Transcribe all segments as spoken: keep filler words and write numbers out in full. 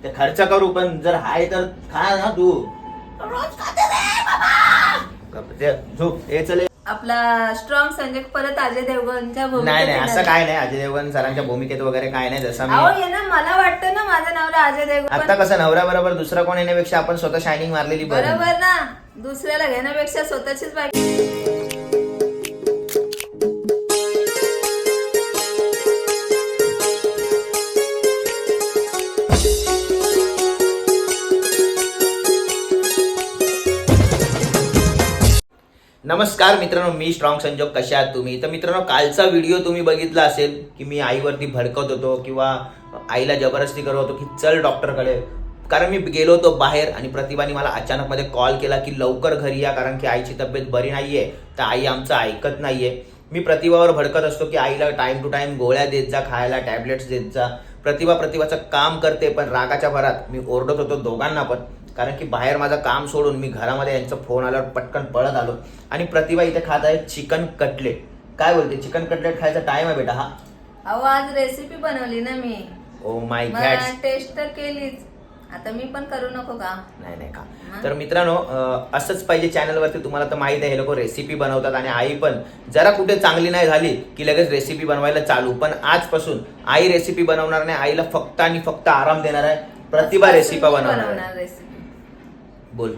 ते खर्च करू, पण जर हाय तर खा ना तू. रोज खाते रे बाबा. झोप. हे चले आपला स्ट्रॉंग संजय परत अजय देवगणच्या भूमिकेत. नाही नाही येणार असं आहे. काय नाही, अजय देवगण सरांच्या भूमिकेत वगैरे काय नाही. जसं मी अहो ये ना, मला वाटतं ना माझा नवरा अजय देवगण. आता कसं नवऱ्या बरोबर दुसरा कोण येण्यापेक्षा आपण स्वतः शायनिंग मारलेली बरी. बरोबर ना, दुसऱ्याला घेण्यापेक्षा स्वतःचीच बायको. नमस्कार मित्रांनो, मी स्ट्रॉंग संजोग. कशा आहात तुम्ही? तर मित्रांनो, कालचा व्हिडिओ तुम्ही बघितला असेल की मी आईवरती भडकत होतो किंवा आईला जबरदस्ती करत होतो की चल डॉक्टरकडे. कारण मी गेलो होतो बाहेर आणि प्रतिभाने मला अचानक मध्ये कॉल केला की लवकर घरी या, कारण की आईची तब्येत बरी नाहीये. तर आई आमचं ऐकत नाहीये. मी प्रतिभावर भडकत असतो की आईला टाइम टू टाइम गोळ्या देत जा, खायला टॅबलेट्स देत जा. प्रतिभा प्रतिभाचं काम करते, पण रागाच्या भरात मी ओरडत होतो दोघांना पण. कारण की बाहेर माझं काम सोडून मी घरामध्ये यांचा फोन आल्यावर पटकन पळत आलो. आणि प्रतिभा इथे खात आहे चिकन कटलेट. काय बोलते? चिकन कटलेट खायचा टाइम आहे बेटा हा. अहो आज रेसिपी बनवली ना मी. Oh my God. मला टेस्ट तर केलीच, आता मी पण करू नको का? नाही नाही का. तर मित्रांनो, असंच पाहिजे चॅनलवरती. तुम्हाला तर माहित आहे हे लोक रेसिपी बनवतात आणि आई पण जरा कुठे चांगली नाही झाली की लगेच रेसिपी बनवायला चालू. पण आजपासून आई रेसिपी बनवणार नाही, आईला फक्त आणि फक्त आराम देणार आहे. प्रतिभा रेसिपी बनवणार रेसिपी. बोल.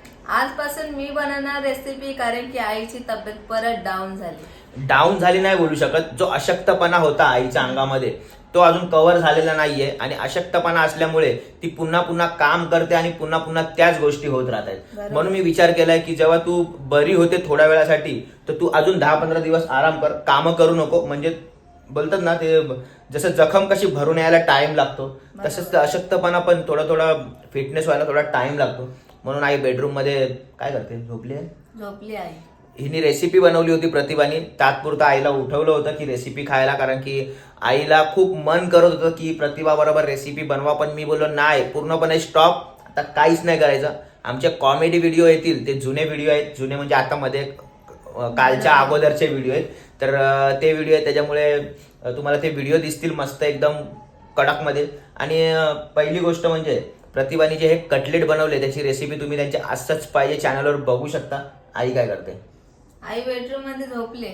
आजपासून मी बनवणार रेसिपी, कारण की आईची तब्येत परत डाऊन झाली. डाऊन झाली नाही बोलू शकत. जो अशक्तपणा होता आईच्या अंगामध्ये तो अजून कव्हर झालेला नाहीये. आणि अशक्तपणा असल्यामुळे ती पुन्हा पुन्हा काम करते आणि पुन्हा पुन्हा त्याच गोष्टी होत राहतात. म्हणून मी विचार केलाय की जेव्हा तू बरी होते थोड्या वेळासाठी, तर तू अजून दहा पंधरा दिवस आराम कर, कामं करू नको. म्हणजे बोलतात ना ते, जसं जखम कशी भरून यायला टाइम लागतो तसंच अशक्तपणा पण थोडा थोडा फिटनेस व्हायला थोडा टाइम लागतो. म्हणून आई बेडरूम मध्ये काय करते? झोपली आहे. झोपली आहे. हिने रेसिपी बनवली होती प्रतिभाने. तात्पुरतं आईला उठवलं होतं की रेसिपी खायला, कारण की आईला खूप मन करत होतं की प्रतिभा बरोबर रेसिपी बनवा. पण मी बोललो नाही, पूर्णपणे स्टॉप, आता काहीच नाही करायचं. आमचे कॉमेडी व्हिडिओ येतील, ते जुने व्हिडिओ आहेत. जुने म्हणजे आता मध्ये कालच्या अगोदरचे व्हिडिओ आहेत. तर ते व्हिडिओ आहेत, त्याच्यामुळे तुम्हाला ते व्हिडिओ दिसतील मस्त एकदम कडकमध्ये. आणि पहिली गोष्ट म्हणजे प्रतिभाने जे हे कटलेट बनवले त्याची रेसिपी तुम्ही त्यांच्या असंच पाहिजे चॅनलवर बघू शकता. आई काय करते? आई बेडरूम मध्ये झोपले.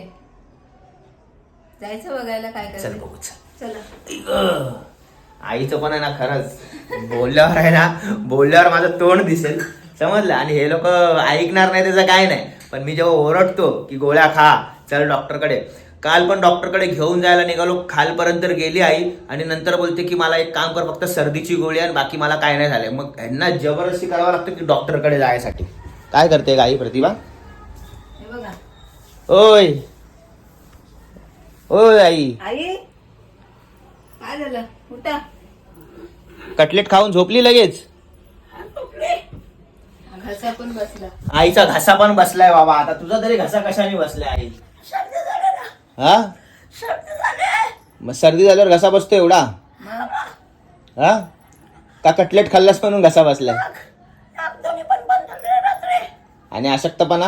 जायचं बघायला काय चल करते. बघू चल. चला. आईचं पण आहे ना, खरंच बोलल्यावर आहे ना, बोलल्यावर माझं तोंड दिसेल, समजलं. आणि हे लोक ऐकणार नाही त्याचं काय नाही. पण मी जेव्हा ओरडतो की गोळ्या खा, चल डॉक्टरकडे. काल पण डॉक्टरकडे घेऊन जायला निघालो, खालपर्यंत गेली आई आणि नंतर बोलते की मला एक काम कर, फक्त सर्दीची गोळी आणि बाकी मला काय नाही झालंय. मग यांना जबरदस्ती करावं लागतं की डॉक्टरकडे जायसाठी. काय करते आई प्रतिभा? हे बघा. ओय ओय आई, आई काय झालं? उठा. कटलेट खाऊन झोपली लगेच. घसा पण बसला. आईचा घसा पण बसलाय बाबा. आता तुझा तरी घसा कशाने बसलाय आई? हा, मग सर्दी झाल्यावर घसा बसतो एवढा? हा, का कटलेट खाल्लास म्हणून घसा बसलाय? आणि अशक्तपणा?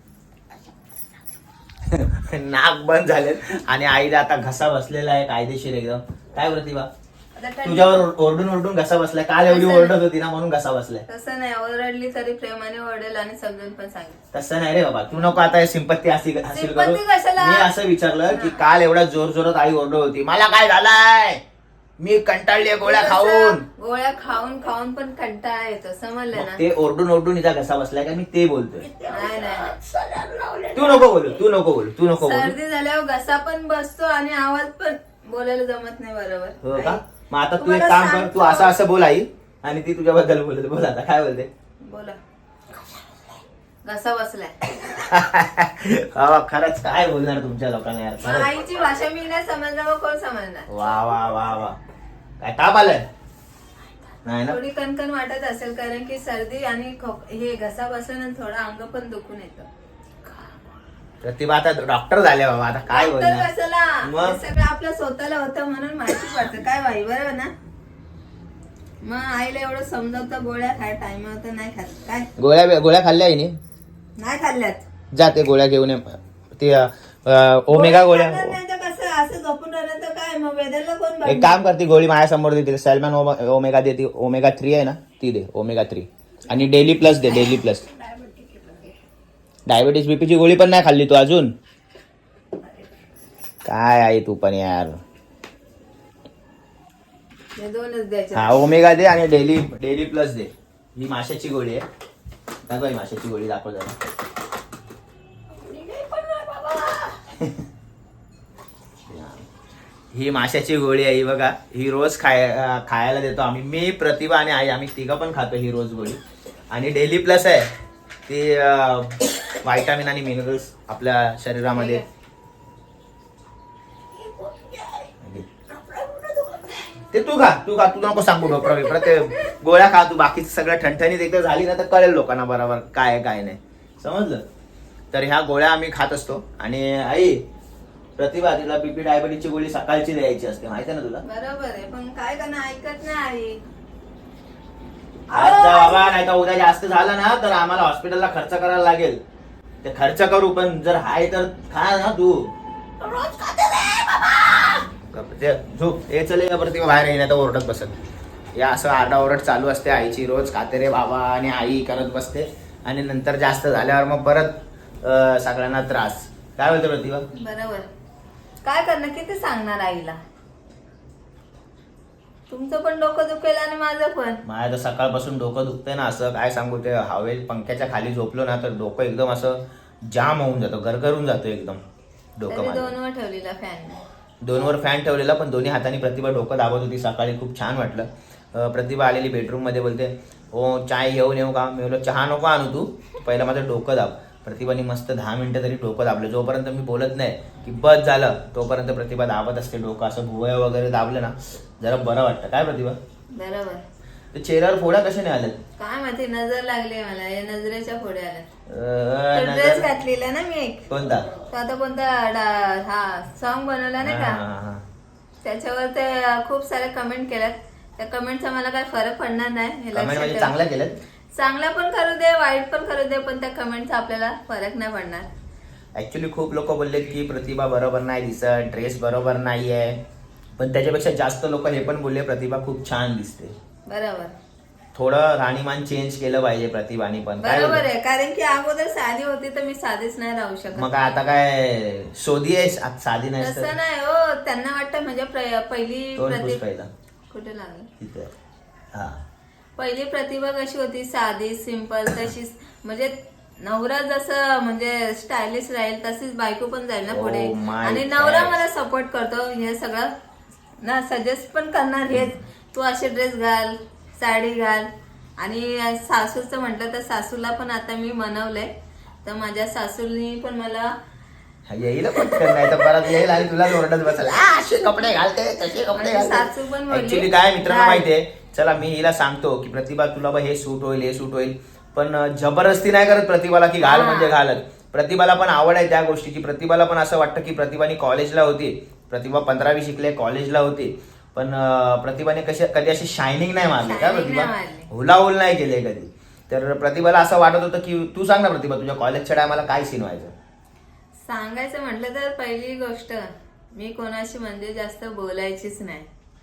नाक बंद झाले आणि आईला आता घसा बसलेला आहे कायदेशीर एकदम. काय प्रतिभा, तुझ्यावर ओरडून ओरडून घसा बसलाय? काल एवढी ओरडत होती ना म्हणून घसा बसलाय. तसं नाही, ओरडली तरी प्रेमाने ओरडेल आणि समजून पण सांगेल. तसं नाही रे बाबा, तू नको आता सिंपत्ती हासिल करू. सिंपत्ती कशाला? मी असं विचारलं की काल एवढा जोर जोरात आई ओरडत होती, मला काय झालंय, मी कंटाळली गोळ्या खाऊन. गोळ्या खाऊन खाऊन पण कंटाळा येतो, समजलं ना? ते ओरडून ओरडून हिचा घसा बसलाय का मी ते बोलतोय. नाही नाही, तू नको बोलू, तू नको बोलू, तू नको बोलू. सर्दी झाल्यावर घसा पण बसतो आणि आवाज पण बोलायला जमत नाही बरोबर. हो का? मग आता तू एक काम कर, तू असं असं बोल आई आणि ती तुझ्याबद्दल बोलत. बोल आता काय बोलते? बोला. घसा बसलाय. बाबा खरंच काय बोलणार तुमच्या लोकांना यार. मग आईची भाषा मी नाही समजणार, मग कोण समजणार? वा वा वा वा. काय ताप आलाय? नाही ना? थोडी कणकण वाटत असेल, कारण की सर्दी आणि खोक- हे घसा बसल्यानंतर थोडं अंग पण दुखून येतं. प्रतिभा आता डॉक्टर झाले बाबा, आता काय डॉक्टर बोलणार? कशाला? मग? हे सगळं आपल्या स्वतःला होतं म्हणून माहिती पडतं. काय बाई, बरोबर ना? मग आईला एवढं समजावतं गोळ्या खाय टाइम तर नाही खात. काय गोळ्या गोळ्या खाल्ल्या आईने? नाही खाल्ल्यात. जा ते गोळ्या घेऊन ये. ते ओमेगा गोळ्या. खाणार नाही तर कसं असं झोपून राहिलं तर काय मग वेदरला कोण एक बांधणार? काम करते गोळी माझ्या समोर देते सॅल्मन ओमेगा देते ओमेगा थ्री आहे ना ती दे ओमेगा थ्री आणि डेली प्लस दे डेली प्लस डायबिटीस बीपीची गोळी पण नाही खाल्ली तू अजून काय आहे तू पण यार हे दोनच द्यायचे. हा ओमेगा दे आणि डेली डेली प्लस दे ही माशाची गोळी आहे दाखव ही माशाची गोळी दाखव जरा ही माशाची गोळी आहे ही बघा ही रोज खाय खायला देतो आम्ही मी प्रतिभा आणि आई आम्ही तिघं पण खातो ही रोज गोळी आणि डेली प्लस आहे ती व्हायटामिन आणि मिनरल्स आपल्या शरीरामध्ये ते तू खा तू खा तू नको सांगू डॉक्टर बिप्रा ते गोळ्या खा तू बाकीचं सगळं ठणठणीत एकदा झाली ना तर कळेल लोकांना बरोबर काय आहे काय नाही समजलं तर ह्या गोळ्या आम्ही खात असतो आणि आई प्रतिभा तिला बीपी डायबिटीसची गोळी सकाळची द्यायची असते माहिती आहे ना तुला बरोबर आहे पण काय करणार ऐकत नाही. आज जा बाबा नाही तर उद्या जास्त झालं ना तर आम्हाला हॉस्पिटलला खर्च करायला लागेल ते खर्च करू पण जर हाय तर खा ना तू रोज खाते रे बाबा ते झोप हे चले का प्रतिभा बाहेर येण्यात ओरडत बसत या असं आरडाओरड चालू असते आईची रोज खाते रे बाबा आणि आई करत बसते आणि नंतर जास्त झाल्यावर मग परत अं, सगळ्यांना त्रास काय बोलतो प्रतिभा बरोबर काय करणार किती सांगणार आईला. तुमचं पण डोकं दुखेल आणि माझं पण. माझ्या तर सकाळपासून डोकं दुखतंय ना असं काय सांगू ते हवे पंख्याच्या खाली झोपलो ना तर डोकं एकदम असं जाम होऊन जातं गरगरून जातो एकदम डोकं तरी माझं. दोनवर ठेवलेला फॅन दोनवर फॅन ठेवलेला पण दोन्ही हाताने प्रतिभा डोकं दाबत होती सकाळी खूप छान वाटलं. अं, प्रतिभा आलेली बेडरूम मध्ये बोलते हो चाय घेऊन येऊ का मी बोललो चहा नको आणू तू पहिला माझं डोकं दाब. प्रतिभाने मस्त दहा मिनिटं तरी डोकं दाबलं जोपर्यंत मी बोलत नाही की बस झालं तोपर्यंत प्रतिभा दाबत असते डोकं असं भुवया वगैरे दाबलं ना जरा बरं वाटतं काय प्रतिभा बरोबर. ते चेहऱ्यावर फोडा कशा नाही आल्यात काय माहिती नजर लागली मला या नजरेच्या पुढे आल्या. अं, ड्रेस नजर- घातलेला ना मी एक कोणता तो आता कोणता डा- हा सॉन्ग बनवला नाही हा, का हा, हा. त्याच्यावर ते खूप सारे कमेंट केल्यात त्या कमेंटचा मला काही फरक पडणार नाही हे कमेंट लक्षात म्हणजे ठेवा. चांगल्या केल्यात चांगला पण करू दे वाईट पण करू दे पण त्या कमेंटचा आपल्याला फरक नाही पडणार. ऍक्च्युली खूप लोक बोलले की प्रतिभा बरोबर नाही दिसत ड्रेस बरोबर नाहीये पण त्याच्यापेक्षा जास्त लोक हे पण बोलले प्रतिभा खूप छान दिसते. बरोबर थोडं राहणीमान चेंज केलं पाहिजे प्रतिभाने पण काय बरोबर बोलते? आहे कारण की अगोदर साधी होती तर मी साधीच नाही राहू शकत. मग आता काय शोधी आहेस आता साधी नाही तसं नाही हो त्यांना वाटतं म्हणजे प्र- पहिली तोंड पुस प्रति पहिला कुठे लागलं तिथे हा पहिली प्रतिभा कशी होती साधी सिंपल तशीच म्हणजे नवरा जसं म्हणजे स्टायलिश राहील तशीच बायको पण जाईल ना Oh पुढे my आणि नवरा God. मला सपोर्ट करतो हे सगळं ना सजेस्ट पण करणार हेच तू असे ड्रेस घाल साडी घाल आणि सासूचं म्हटलं तर सासूला पण आता मी मनवलंय तर माझ्या सासूनी पण मला येईल पटकन नाही तर परत येईल आणि तुला ओरडत बसाल "आ, असे कपडे घालते तसे कपडे माझी घालते सासू पण बोलली, ऍक्च्युली काय मित्रांनो "घाल." माहितीये चला मी हिला सांगतो की प्रतिभा तुला बा हे सूट होईल हे सूट होईल पण अं, जबरदस्ती नाही करत प्रतिभाला की घाल हा. म्हणजे घालत. प्रतिभाला पण आवड आहे त्या गोष्टीची प्रतिभाला पण असं वाटतं की प्रतिभाने कॉलेजला होती प्रतिभा पंधरावी शिकले कॉलेजला होती पण अं, प्रतिभाने कशी कधी अशी शायनिंग नाही मारली काय Shining प्रतिभा नाही मारली. हुलाहुल नाही केले कधी तर प्रतिभाला असं वाटत होतं की तू सांग ना प्रतिभा तुझ्या कॉलेजच्या टायमाला काय सीन व्हायचं. सांगायचं म्हटलं तर पहिली गोष्ट मी कोणाशी म्हणजे जास्त बोलायचीच नाही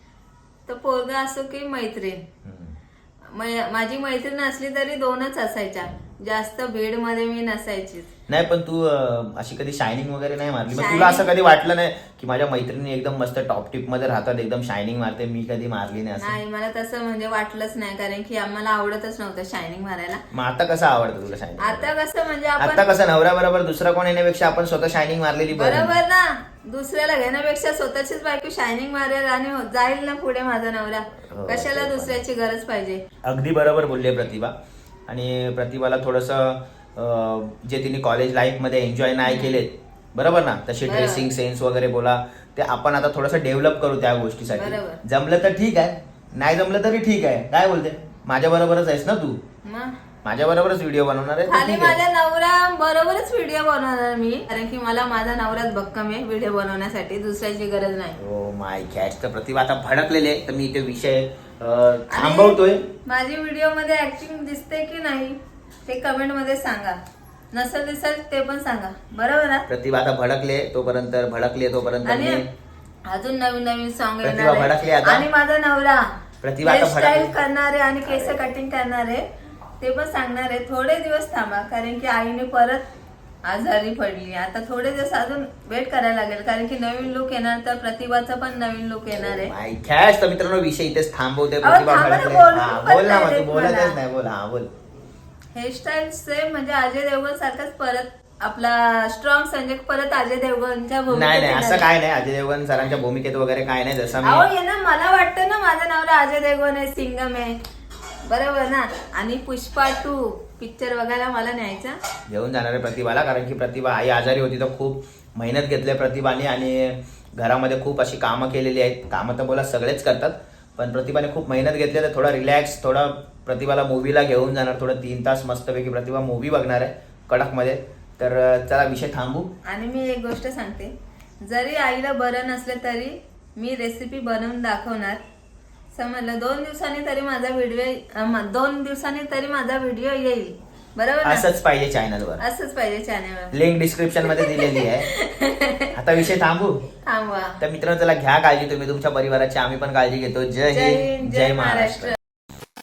तर पोरगा असो की मैत्रीण हम्म. मै- माझी मैत्रीण असली तरी दोनच असायच्या जास्त भीड मध्ये मी नसायचीच. नाही पण तू अं, अशी कधी शायनिंग वगैरे नाही मारली मग Shining- तुला असं कधी वाटलं नाही की माझ्या मैत्रिणी एकदम मस्त टॉप टिप मध्ये राहतात एकदम शायनिंग मारते मी कधी मारली नाही असं. नाही मला तसं म्हणजे वाटलंच नाही कारण की आम्हाला आवडतच नव्हतं शायनिंग मारायला. मग आता कसं आवडतं तुला शायनिंग आता कसं म्हणजे आता आपण कसं नवऱ्या बरोबर दुसरा कोण येण्यापेक्षा आपण स्वतः शायनिंग मारलेली बरी. बरोबर ना दुसऱ्याला घेण्यापेक्षा स्वतःचीच बायको शायनिंग मारेल आणि हो- जाईल ना पुढे माझा नवरा हो, कशाला ते पण. दुसऱ्याची गरज पाहिजे. अगदी बरोबर बोलले प्रतिभा आणि प्रतिभाला थोडंसं अं, जे तिने कॉलेज लाईफ मध्ये एन्जॉय नाही केलेत बरोबर ना तशी बरोबर. ड्रेसिंग सेन्स वगैरे बोला ते आपण आता थोडंसं डेव्हलप करू त्या गोष्टीसाठी बरोबर. जमलं तर ठीक आहे नाही जमलं तरी ठीक आहे काय बोलते माझ्या बरोबरच आहेस ना तू मग माझ्या बरोबरच व्हिडिओ बनवणार आहे तर खाली ठीक आहे. माझ्या नवरा बरोबरच व्हिडिओ बनवणार मी कारण की मला माझा नवराच भक्कम आहे व्हिडिओ बनवण्यासाठी दुसऱ्याची गरज नाही. ओ माय कॅच तर प्रतिभा आता भडकलेले आहे तर मी इथे विषय अं, थांबवतोय. माझी व्हिडिओ मध्ये ऍक्टिंग दिसते की नाही ते कमेंट मध्ये सांगा नसेल दिसेल ते पण सांगा बरोबर ना. प्रतिभा आता भडकले तोपर्यंत भडकले तोपर्यंत आणि मी अजून नवीन नवीन सॉन्ग प्रतिभा भडकली येणार आता. आणि माझा नवरा प्रतिभा आता हेअरस्टाईल भडकली. करणारे आणि केस कटिंग करणारे ते पण सांगणार आहे. थोडे दिवस थांबा कारण की आईने परत आजारी पडली. आता थोडे दिवस अजून वेट करायला लागेल कारण की नवीन लुक येणार तर प्रतिभाचा पण नवीन लुक येणार आहे. माय खॅश. तर मित्रांनो विषय इथेच थांबवते. अहो, प्रतिभा थांबा ना, भडकले. बोलून हा पण बोल ना नाही मग, तू देत बोलतच मला. नाही. बोल. हा बोल. हेअरस्टाईल सेम म्हणजे अजय देवगण सारखाच परत आपला स्ट्रॉंग संजय परत अजय देवगणच्या भूमिकेत नाही नाही येणार असं आहे. काय नाही. अजय देवगण सरांच्या भूमिकेत वगैरे काय नाही. जसं अहो मी ये ना मला वाटतं ना माझा नवरा अजय देवगण आहे सिंगम आहे बरोबर ना. आणि पुष्पा टू पिक्चर बघायला मला न्यायचा. घेऊन जाणार आहे प्रतिभाला. कारण की प्रतिभा आई आजारी होती तर खूप मेहनत घेतली प्रतिभाने आणि घरामध्ये खूप अशी कामं केलेली आहेत. कामं तर बोला सगळेच करतात पण प्रतिभाने खूप मेहनत घेतली. तर थोडा रिलॅक्स थोडा प्रतिभाला मूवीला घेऊन जाणार. थोडं तीन तास मस्तपैकी प्रतिभा मूवी बघणार आहे कडकमध्ये. तर चला विषय थांबू. आणि मी एक गोष्ट सांगते जरी आईला बरं नसलं तरी मी रेसिपी बनवून दाखवणार. समजलं. दोन दिवसांनी तरी माझा व्हिडिओ दोन दिवसांनी तरी माझा व्हिडिओ येईल बरोबर ना. असंच पाहिजे चॅनलवर. असंच पाहिजे चॅनलवर. लिंक डिस्क्रिप्शन मध्ये दिलेली आहे. आता विषय थांबू. थांबवा. तर मित्रांनो चला घ्या काळजी तुम्ही तुमच्या परिवाराची. आम्ही पण काळजी घेतो. जय हिंद जय महाराष्ट्र.